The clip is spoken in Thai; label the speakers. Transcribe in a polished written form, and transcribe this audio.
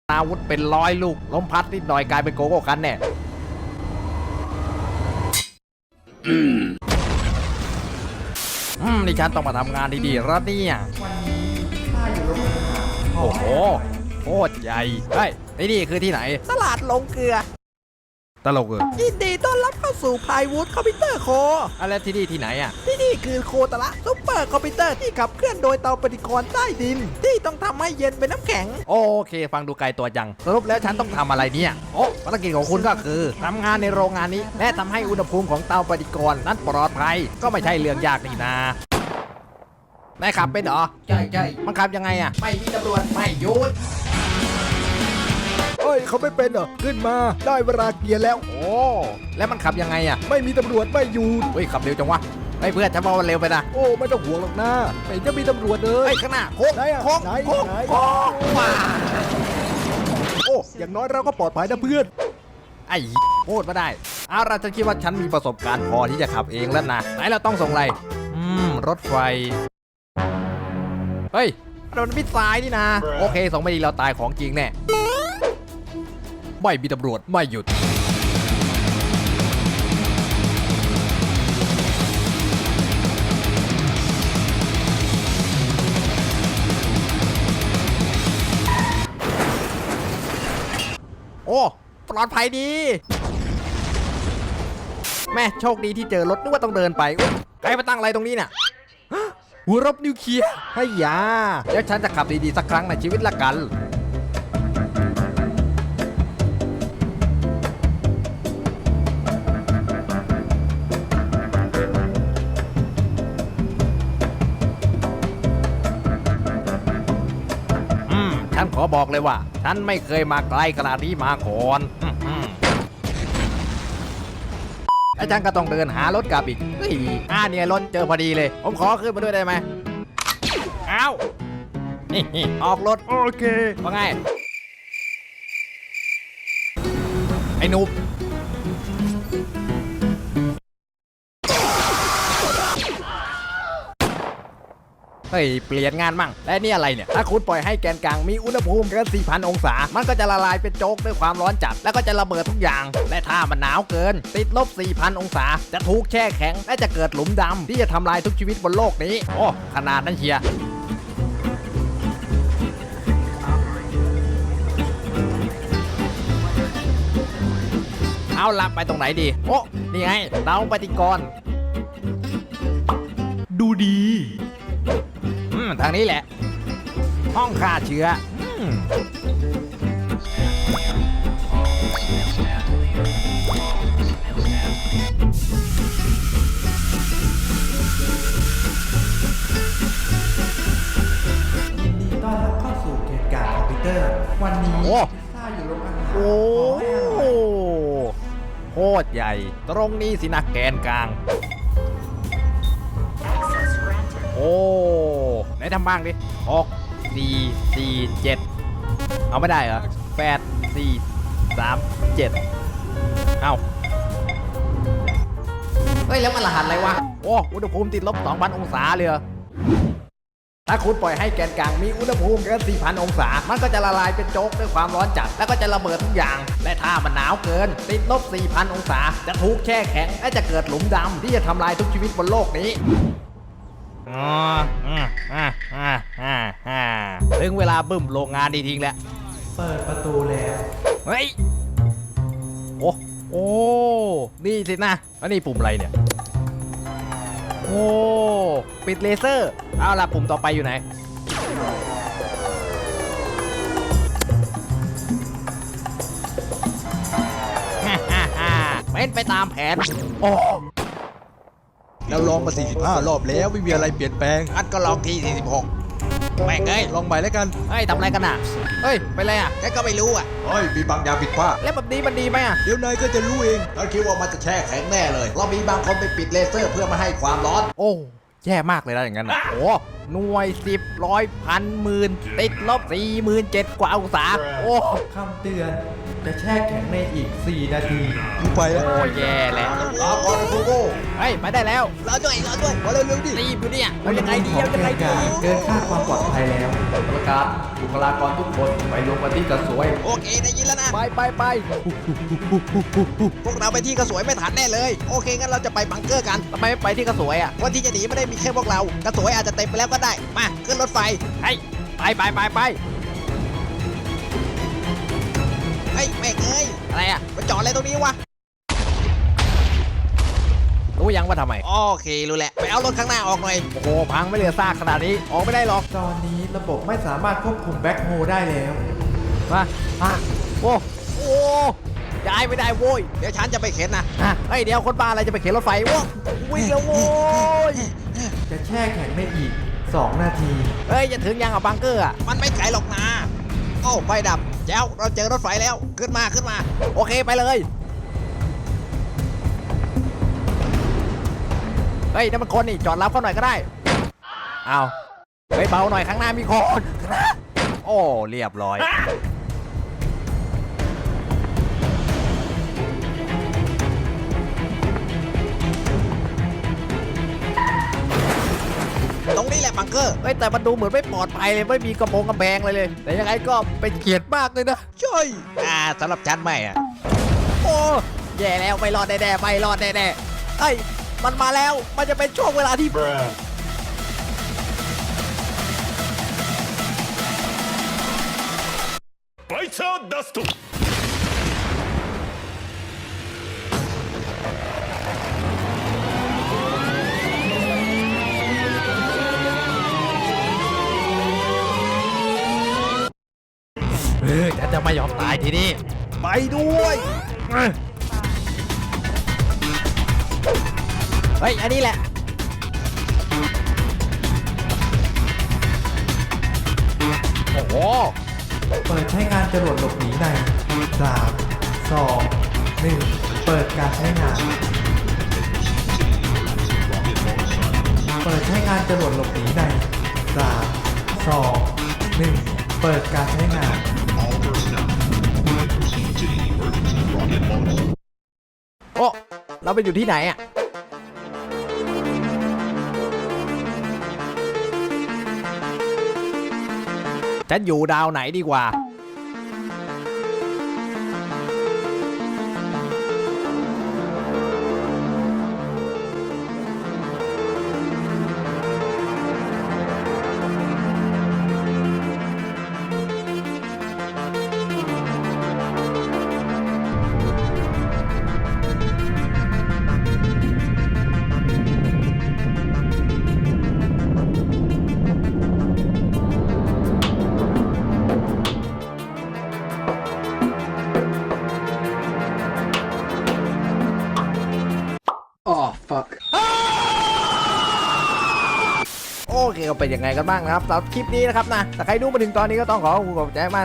Speaker 1: อาวุธเป็น100 ลูกล้มพัดนิดหน่อยกลายเป็นโกโก้คันแน่นี่ฉันต้องมาทำงานดีๆแล้วเนี่ย
Speaker 2: วันนี้ข้าอยู่โรงอาหาร
Speaker 1: โอ้โหโคตรใหญ่เฮ้ยนี่คือที่ไหน
Speaker 2: ตลาดลงเกลือ
Speaker 1: ตลก
Speaker 2: ยินดีต้อนรับเข้าสู่พายวูดคอมพิวเตอร์โค
Speaker 1: อะไรที่นี่ที่ไหนอ่ะ
Speaker 2: ที่นี่คือโคตระซุปเปอร์คอมพิวเตอร์ที่ขับเคลื่อนโดยเตาปฏิกรณ์ใต้ดินที่ต้องทำให้เย็นเป็นน้ำแข็ง
Speaker 1: โอเคฟังดูไกลตัวจังสรุปแล้วฉันต้องทำอะไรเนี่ยโอ้ภารกิจของคุณก็คือทำงานในโรงงานนี้และทำให้อุณหภูมิของเตาปฏิกรณ์นั้นปลอดภัยก็ไม่ใช่เรื่องยากนี่นะนายขับเป็นเหรอ
Speaker 2: ใช่
Speaker 1: มันขับยังไงอ่ะ
Speaker 2: ไม่มีตำรวจไม่หยุด
Speaker 3: เอ้ยเขาไม่เป็นเหรอขึ้นมาได้เวลาเกียร์แล้ว
Speaker 1: โอ้แล้วมันขับยังไงอ่ะ
Speaker 3: ไม่มีตำรวจไม่หยุด
Speaker 1: เฮ้ยขับเร็วจังวะไอ้เพื่อนฉันว่ามันเร็วไปนะ
Speaker 3: โอ้ไม่ต้องห่วงหรอกนะไม่จะมีตำรวจเล
Speaker 1: เ
Speaker 3: ย
Speaker 1: ฮ้ยข้างหน้าโค้ง
Speaker 3: โค้งโค้ง
Speaker 1: ว้า
Speaker 3: โอ้อย่างน้อยเราก็ปลอดภัยนะเพื่อน
Speaker 1: ไอ้พูดมาได้เอาล่ะฉันคิดว่าฉันมีประสบการณ์พอที่จะขับเองแล้วนะไหนเราต้องส่งอะไรรถไฟเฮ้ยมันมิดซ้ายนี่นะโอเคส่งไม่ดีเราตายของจริงแน่ไม่มีตำรวจไม่หยุดโอ้ปลอดภัยดีแม่โชคดีที่เจอรถนึกว่าต้องเดินไปใครมาตั้งอะไรตรงนี้เนี่ยหัวรบนิวเคลียร์ให้ยาแล้วฉันจะขับดีๆสักครั้งในชีวิตละกันฉันขอบอกเลยว่าฉันไม่เคยมาไกลขนาดนี้มาก่อนไอ้ฉันก็ต้องเดินหารถกลับอีกเนี่ยรถเจอพอดีเลยผมขอขึ้นมาด้วยได้ไหมอ้าวนี่ออกรถ
Speaker 3: โอเค
Speaker 1: ว่าไงไอ้นุ๊บเฮ้ยเปลี่ยนงานมั่งและนี่อะไรเนี่ยถ้าคุณปล่อยให้แกนกลางมีอุณหภูมิเกิน 4,000 องศามันก็จะละลายเป็นโจ๊กด้วยความร้อนจัดแล้วก็จะระเบิดทุกอย่างและถ้ามันหนาวเกินติดลบ 4,000 องศาจะถูกแช่แข็งและจะเกิดหลุมดำที่จะทำลายทุกชีวิตบนโลกนี้โอ้ขนาดนั้นเชียร์เอาลับไปตรงไหนดีโอ้นี่ไงเตาปฏิกรณ์
Speaker 3: ดูดี
Speaker 1: ทางนี้แหละห้องฆ่าเชื้อ
Speaker 2: ยินดีต้อนรับเข้าสู่เกมการคอมพิวเตอร์วันนี้ข้าอยู่โรงอาหาร
Speaker 1: โอ้โคตรใหญ่ตรงนี้สินะแกนกลางโอ้ไหนทำบ้างดิ6 4 4 7เอาไม่ได้เหรอ8 4 3 7เอาเฮ้ยแล้วมันรหัสอะไรวะโอ้อุณหภูมิติดลบ 2,000 องศาเลยถ้าคุณปล่อยให้แกนกลางมีอุณหภูมิเกิน 4,000 องศามันก็จะละลายเป็นโจ๊กด้วยความร้อนจัดแล้วก็จะระเบิดทุกอย่างและถ้ามันหนาวเกินติดลบ 4,000 องศาจะถูกแช่แข็งและจะเกิดหลุมดำที่จะทำลายทุกชีวิตบนโลกนี้ถึงเวลาบึ้มโรงงานดีทิ้งแล้ว
Speaker 2: เปิดประตูแล้ว
Speaker 1: เฮ้ยโอ้นี่สินะแล้วนี่ปุ่มอะไรเนี่ยโอ้ปิดเลเซอร์เอาล่ะปุ่มต่อไปอยู่ไหนเป็นไปตามแผนโอ้
Speaker 3: เราลองมา45 รอบแล้วไม่มีอะไรเปลี่ยนแปลง
Speaker 1: อันก็ลองที่46แม่งเอ้ย
Speaker 3: ลองใหม่แล้วกัน
Speaker 1: เฮ้ยทำอะไรกันอ่ะเฮ้ยไปเลยอ่ะแกก็ไม่รู้อ่ะ
Speaker 3: เฮ้ยมีบางอย่างผิดพลาด
Speaker 1: แล้วแบบนี้มันดีไหมอ่ะ
Speaker 3: เดี๋ยวนายก็จะรู้เอง
Speaker 1: เราคิดว่ามันจะแช่แข็งแน่เลยเรามีบางคนไปปิดเลเซอร์เพื่อมาให้ความร้อนโอ้แย่มากเลยนะอย่างนั้นโอ้หน่วย10ร้อยพันหมื่นติดลบ 47,000 กว่าองศาโอ้
Speaker 2: คำเตือน
Speaker 1: จะแช่แข็งในอีก 4 นาที
Speaker 3: กูไปแล้ว
Speaker 1: โอ้แย่แล้วรอก่อนนะโกโก้เฮ้ยไปได้แล้ว
Speaker 2: รอด้วยมาเร็วๆดิ
Speaker 1: รีบอยู่เนี่ยเอายังไงดีเอายังไงดีเกินค่าความปลอดภัยแล้วประกาศบุคลากรทุกคนไปลงมาที่กระสวย
Speaker 2: โอเคได้ยินแล้วนะ
Speaker 1: ไป
Speaker 2: พวกเราไปที่กระสวยไม่ทันแน่เลย โอเคงั้นเราจะไปบังเกอร์กัน
Speaker 1: ทำไมไม่ไปที่กระสวยอ่ะ
Speaker 2: วันที่จะหนีไม่ได้มีแค่พวกเรา กระสวยอาจจะเต็มไปแล้วก็ได้ มาขึ้นรถไฟ
Speaker 1: เฮ้ยไป
Speaker 2: เฮ้ยแม่งเอ้ย
Speaker 1: อะไรอ่ะ
Speaker 2: มาจอดอะไรตรงนี้วะ
Speaker 1: รู้ยังว่าทำไม
Speaker 2: โอเครู้แหละ ไปเอารถข้างหน้าออกหน่อย
Speaker 1: โอ้โหพังไม่เหลือซากขนาดนี้ออกไม่ได้หรอกตอนนี้ระบบไม่สามารถควบคุมแบ็คโฮได้แล้วมาโอ้ย้ายไม่ได้โว้ย
Speaker 2: เดี๋ยวฉันจะไปเข็นนะ
Speaker 1: เฮ้ยเดี๋ยวคนบ้าอะไรจะไปเข็นรถไฟโว้วิ่งแล้วโว้ยจะแช่แข็งได้อีก 2 นาทีเฮ้ยจะถึงยังอ่ะบังเกอร์อ่ะ
Speaker 2: มันไม่ไกลหรอกนะ โอ้ไฟดับเจ้าเราเจอรถไฟแล้ว ขึ้นมา
Speaker 1: โอเคไปเลยเฮ้ยนั่นมันคนนี่จอดรับเขาหน่อยก็ได้เอาเฮ้ยเบาหน่อยข้างหน้ามีคนโอ้เรียบร้อย
Speaker 2: ตรงนี้แหละบังเกอร์
Speaker 1: เฮ้ยแต่มันดูเหมือนไม่ปลอดภัยเลยไม่มีกระโปรงกระแบงเลย แต่ยังไงก็เป็นเกียรติมากเลยนะ
Speaker 2: ช่วยสำหรับฉันไม่อะ
Speaker 1: โอ้แย่แล้วไม่รอดแน่ๆไม่รอดแน่ๆเฮ้ยมันมาแล้วมันจะเป็นช่วงเวลาที่
Speaker 4: バイチャーダスト
Speaker 1: ฉันจะไม่ยอมตายทีนี้ไปด้วยเฮ้ยอันนี้แหละโอ้โห
Speaker 5: เปิดใช้งานจรวดหลบหนีใน 3 2 1 เปิดการใช้งาน เปิดใช้งานจรวดหลบหนีใน 3 2 1 เปิดการใช้งาน
Speaker 1: โอ้เราไปอยู่ที่ไหนอ่ะฉันอยู่ดาวไหนดีกว่าโอเคก็เป็นยังไงกันบ้างนะครับสำหรับคลิปนี้นะครับนะแต่ใครดูมาถึงตอนนี้ก็ต้องขอบคุณใจมาก